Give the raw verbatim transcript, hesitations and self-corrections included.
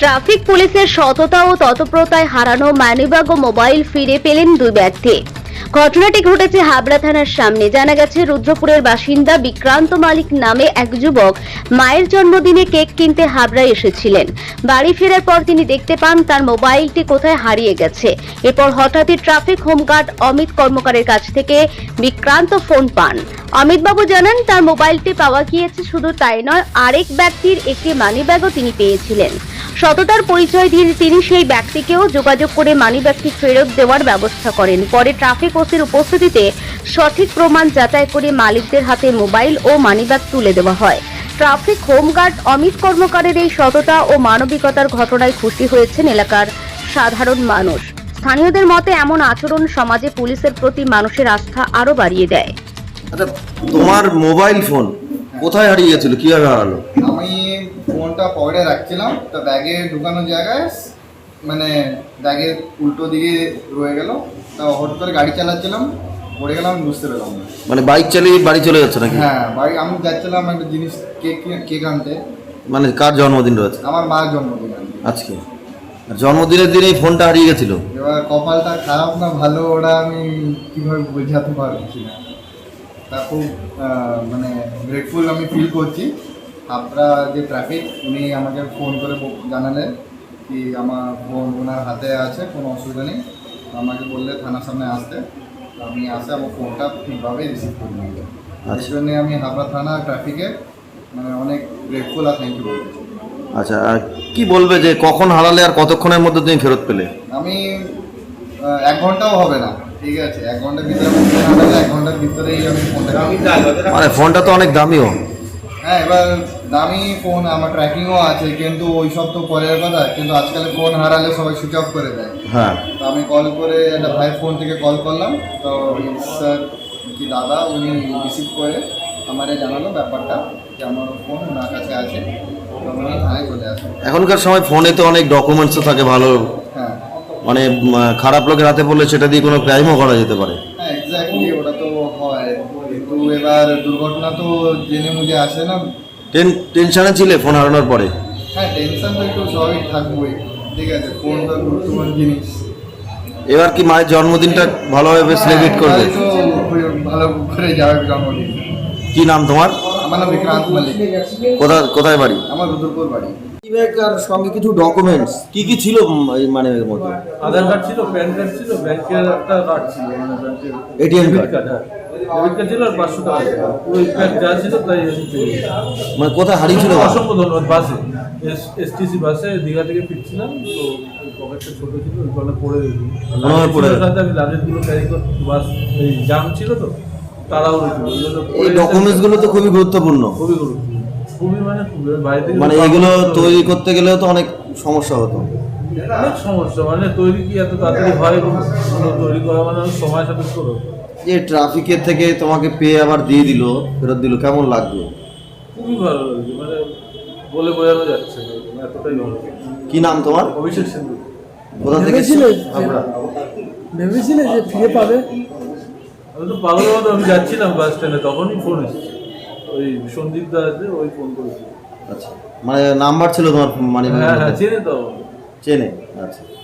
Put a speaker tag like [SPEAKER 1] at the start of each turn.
[SPEAKER 1] Traffic পুলিশের সততা ও তৎপরতায় হারানো মানিব্যাগ ও মোবাইল ফিরে পেলেন দুই ব্যক্তি। ঘটনাটি ঘটেছে হাবড়া থানার সামনে। জানা গেছে, রুদ্রপুরের বাসিন্দা বিক্রান্ত মালিক নামে এক যুবক মায়ের জন্মদিনে কেক কিনতে হাবড়ায় এসেছিলেন। বাড়ি ফেরার পর তিনি দেখতে পান তার মোবাইলটি কোথায় হারিয়ে গেছে। এরপর হঠাৎই ট্রাফিক হোমগার্ড অমিত কর্মকারের কাছ থেকে বিক্রান্ত ফোন পান। অমিতবাবু জানান, তার মোবাইলটি পাওয়া গিয়েছে। শুধু তাই নয়, আরেক ব্যক্তির একটি মানিব্যাগও তিনি পেয়েছিলেন। সততার পরিচয় দিয়ে তিনি সেই ব্যক্তিকেও যোগাযোগ করে মানিব্যাগটি ফেরত দেওয়ার ব্যবস্থা করেন। পরে ট্রাফিক ওসির উপস্থিতিতে সঠিক প্রমাণ যাচাই করে মালিকদের হাতে মোবাইল ও মানিব্যাগ তুলে দেওয়া হয়। ট্রাফিক হোমগার্ড অমিত কর্মকারের এই সততা ও মানবিকতার ঘটনায় খুশি হয়েছেন এলাকার সাধারণ মানুষ। স্থানীয়দের মতে এমন আচরণ সমাজে পুলিশের প্রতি মানুষের আস্থা আরো বাড়িয়ে দেয়।
[SPEAKER 2] আচ্ছা, তোমার মোবাইল ফোন কোথায় হারিয়ে গেছিল, কিভাবে হারালো?
[SPEAKER 3] আমি ফোনটা পকেটে রাখছিলাম, তো ব্যাগে ঢুকানোর জায়গায় মানে ব্যাগের উল্টো দিকে রয়ে গেল। তা হঠাৎ করে গাড়ি চালাচ্ছিলাম, পড়ে গেলাম, বুঝতে পারলাম না।
[SPEAKER 2] মানে বাইক চালিয়ে বাড়ি চলে যাচ্ছে নাকি?
[SPEAKER 3] হ্যাঁ, বাড়ি আমি যাচ্ছিলাম একটা জিনিস কেক কেক আনতে।
[SPEAKER 2] মানে কার জন্মদিন রয়েছে?
[SPEAKER 3] আমার মার জন্মদিন
[SPEAKER 2] আজকে। আর জন্মদিনের দিন এই ফোনটা হারিয়ে গেছিল।
[SPEAKER 3] এবার কপালটা খারাপ না ভালো ওটা আমি কীভাবে বোঝাতে পারছি না। তা খুব মানে গ্রেটফুল আমি ফিল করছি। আপনারা যে ট্রাফিক, উনি আমাকে ফোন করে জানালেন কি আমার ফোন ওনার হাতে আছে, কোনো অসুবিধা নেই। আমাকে বললে থানার সামনে আসতে, আমি আসে আমার ফোনটা ঠিকভাবে রিসিভ করে নিয়ে যাই। এই জন্যে আমি হাবড়া থানা ট্রাফিকে মানে অনেক গ্রেটফুল আর থ্যাংক ইউ বলতেছি।
[SPEAKER 2] আচ্ছা, আর কি বলবে যে কখন হারালে আর কতক্ষণের মধ্যে তুমি ফেরত পেলে?
[SPEAKER 3] আমি এক ঘন্টাও হবে না, ঠিক আছে, এক ঘন্টার ভিতরে হারালে এক ঘন্টার ভিতরেই আমি ফোনটা।
[SPEAKER 2] মানে ফোনটা তো অনেক দামিও।
[SPEAKER 3] হ্যাঁ, এবার দামি ফোন, আমার ট্র্যাকিংও আছে, কিন্তু ওই সব তো পরের কথা। কিন্তু আজকাল ফোন হারালে সবাই সুইচ অফ করে দেয়।
[SPEAKER 2] হ্যাঁ,
[SPEAKER 3] তো আমি কল করে একটা ভাইয়ের ফোন থেকে কল করলাম, তো স্যার কি দাদা উনি রিসিভ করে আমারে জানালো ব্যাপারটা যে আমার ফোন ওনার কাছে আছে, তো উনি থানায় চলে আসেন।
[SPEAKER 2] এখনকার সময় ফোনে তো অনেক ডকুমেন্টসও থাকে ভালো,
[SPEAKER 3] হ্যাঁ
[SPEAKER 2] মানে খারাপ লোকের হাতে পড়লে সেটা দিয়ে কোনো ক্রাইমও করা যেতে পারে।
[SPEAKER 3] হ্যাঁ, এক্স্যাক্টলি, ওটা তো হয়। কিন্তু এবার দুর্ঘটনা তো জেনে মুজে আসে না।
[SPEAKER 2] টেন টেনশনে ছিলে ফোন হারানোর পরে?
[SPEAKER 3] হ্যাঁ, টেনশন তো একটু স্বাভাবিক থাকবোই, ঠিক আছে, ফোন তো গুরুত্বপূর্ণ জিনিস।
[SPEAKER 2] এবার কি মায়ের জন্মদিনটা ভালোভাবে সেলিব্রেট করবে?
[SPEAKER 3] তো ভালো করে যাবে জন্মদিন।
[SPEAKER 2] কি নাম তোমার?
[SPEAKER 3] আমার নাম বিক্রান্ত মালিক।
[SPEAKER 2] কোথায় কোথায় বাড়ি?
[SPEAKER 3] আমার রুদ্রপুর বাড়ি।
[SPEAKER 2] ব্যাগ আর সঙ্গে কিছু ডকুমেন্টস কি কি ছিল মানে এর মধ্যে?
[SPEAKER 4] আধার কার্ড ছিল, প্যান কার্ড ছিল, ব্যাংকের একটা কার্ড ছিল, মানে ব্যাংকের
[SPEAKER 2] এটিএম কার্ড।
[SPEAKER 4] কার্ড, হ্যাঁ ডেবিট কার্ড ছিল, আর পাঁচশো টাকা ছিল। ওই প্যাক যা ছিল তাই আমি পেয়ে গেছি।
[SPEAKER 2] মানে কোথায় হারিয়েছিল?
[SPEAKER 4] অসংখ্য ধন্যবাদ। বাসে এসটিসি বাসে দীঘা থেকে ফিরছিলাম, তো পকেটটা ছোটো ছিল, ওই কলে পড়ে গেছি। আমি লাগেজগুলো ক্যারি করতে, বাস এই জাম ছিল তো, তাড়াহুড়ো ছিল।
[SPEAKER 2] এই ডকুমেন্টসগুলো তো খুবই গুরুত্বপূর্ণ।
[SPEAKER 4] খুবই গুরুত্বপূর্ণ, খুবই মানে বাইরে থেকে
[SPEAKER 2] মানে এগুলো তৈরি করতে গেলেও তো অনেক সমস্যা হতো।
[SPEAKER 4] অনেক সমস্যা, মানে তৈরি কি এত তাড়াতাড়ি হয়? তৈরি করা মানে সময় সাপেক্ষ হতো।
[SPEAKER 2] যে ট্রাফিকের থেকে তোমাকে পেয়ে আবার দিয়ে দিল, ফেরত দিল, কেমন লাগবে?
[SPEAKER 4] খুবই ভালো লাগছে, মানে বলে বোঝানো যাচ্ছে না, এতটাই ভালো।
[SPEAKER 2] কি নাম তোমার?
[SPEAKER 4] অভিষেক সিন্ধু।
[SPEAKER 2] কোথা থেকে?
[SPEAKER 5] ভেবেছিলে যে ফিরে পাবে?
[SPEAKER 4] আমি তো পাগল মতো আমি যাচ্ছিলাম বাস স্ট্যান্ডে, তখনই ফোন এসেছে, ওই সন্দীপ দা আছে, ওই ফোন করেছিল।
[SPEAKER 2] আচ্ছা, মানে নাম্বার ছিল তোমার মানে?
[SPEAKER 4] হ্যাঁ হ্যাঁ, চেনে তো।
[SPEAKER 2] চেনে, আচ্ছা।